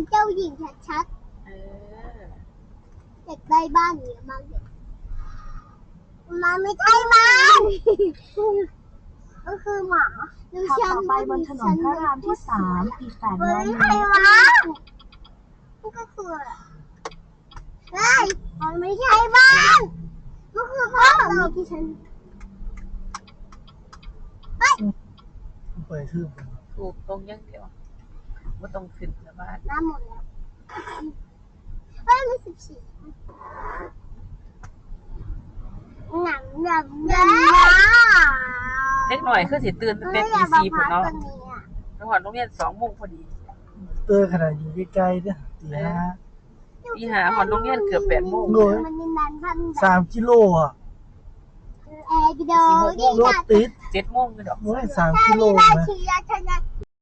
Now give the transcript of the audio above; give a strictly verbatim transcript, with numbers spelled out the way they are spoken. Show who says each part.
Speaker 1: เจ้าหญิงชัด
Speaker 2: เออ
Speaker 1: ๆเด็กได้บ้านเยอะมากเลยมันไม่ใช่บ้านก็คือหมา
Speaker 3: ขับต่อไปบนถนนพระรามที่สามอีกแปดร้อยเม
Speaker 1: ไม่ใช่
Speaker 3: ตร
Speaker 1: บ้านก็คือเฮ้ยมันไม่ใช่บ้านก็คือพ่อเราที่ฉัน
Speaker 4: ไปทืบ
Speaker 2: ถูกตรงอย่างเดียวว่าต้องขึ้นนะบ้าน
Speaker 1: น้ำหมดแล้วเฮ้ยมีสิบสี่หนังหนังหนัง
Speaker 2: เล็กหน่อยคือสิตื่นตั้งแต่ตีสี่พุ่นเนาะจังหวัดโรงเรียนสองโมงพอดี
Speaker 4: เตอร์ขนาดอยู่ใกล้ๆเนี่ยตีห้า
Speaker 2: ตีหาหอนโรงเรียนเกือบแปดโมง
Speaker 4: โอ้ย สามกิโลอ่ะ
Speaker 1: เอกิโด
Speaker 4: รถติด
Speaker 2: เจ็ดโมงเลยดอก
Speaker 4: โอ้ยสามกิโล
Speaker 1: รา
Speaker 4: นะ
Speaker 1: ชีราชนะ